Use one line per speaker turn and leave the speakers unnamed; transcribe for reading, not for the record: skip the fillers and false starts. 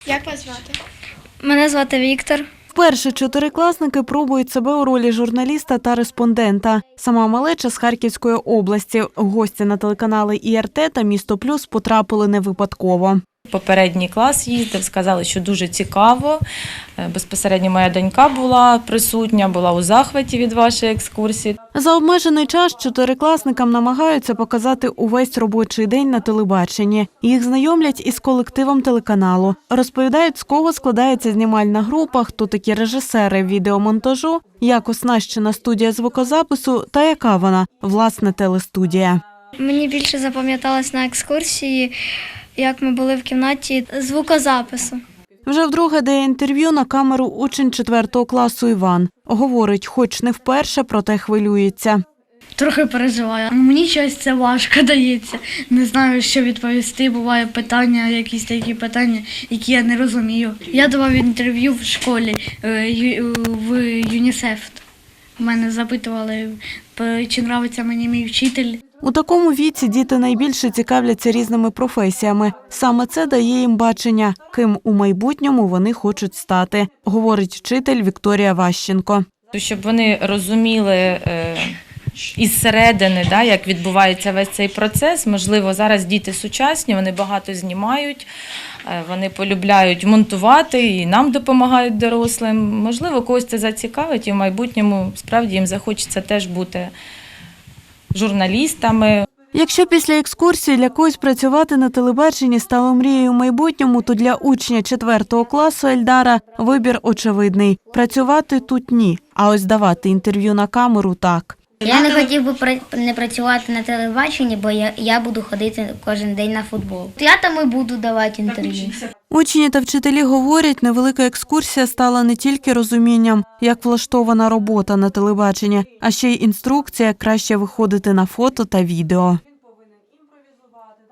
Як вас звати?
Мене звати Віктор.
Вперше чотирикласники пробують себе у ролі журналіста та респондента. Сама малеча з Харківської області. Гості на телеканали ІРТ та «Місто Плюс» потрапили не випадково.
Попередній клас їздив, сказали, що дуже цікаво. Безпосередньо моя донька була присутня, була у захваті від вашої екскурсії.
За обмежений час чотирикласникам намагаються показати увесь робочий день на телебаченні. Їх знайомлять із колективом телеканалу. Розповідають, з кого складається знімальна група, хто такі режисери відеомонтажу, як оснащена студія звукозапису та яка вона, власне, телестудія.
Мені більше запам'яталось на екскурсії, як ми були в кімнаті звукозапису.
Вже вдруге дає інтерв'ю на камеру учень 4 класу Іван. Говорить, хоч не вперше, проте хвилюється.
Трохи переживаю. Мені щось це важко дається. Не знаю, що відповісти. Буває питання, якісь такі питання, які я не розумію. Я давав інтерв'ю в школі в ЮНІСЕФ. Мене запитували, чи подобається мені мій вчитель.
У такому віці діти найбільше цікавляться різними професіями. Саме це дає їм бачення, ким у майбутньому вони хочуть стати, говорить вчитель Вікторія Ващенко.
Щоб вони розуміли із середини, як відбувається весь цей процес. Можливо, зараз діти сучасні, вони багато знімають, вони полюбляють монтувати і нам допомагають дорослим. Можливо, когось це зацікавить і в майбутньому справді їм захочеться теж бути журналістами.
Якщо після екскурсії для когось працювати на телебаченні стало мрією в майбутньому, то для учня 4 класу Ельдара вибір очевидний. Працювати тут – ні, а ось давати інтерв'ю на камеру – так.
Я не хотів би не працювати на телебаченні, бо я буду ходити кожен день на футбол. Я там і буду давати інтерв'ю.
Учні та вчителі говорять, невелика екскурсія стала не тільки розумінням, як влаштована робота на телебаченні, а ще й інструкція, як краще виходити на фото та відео.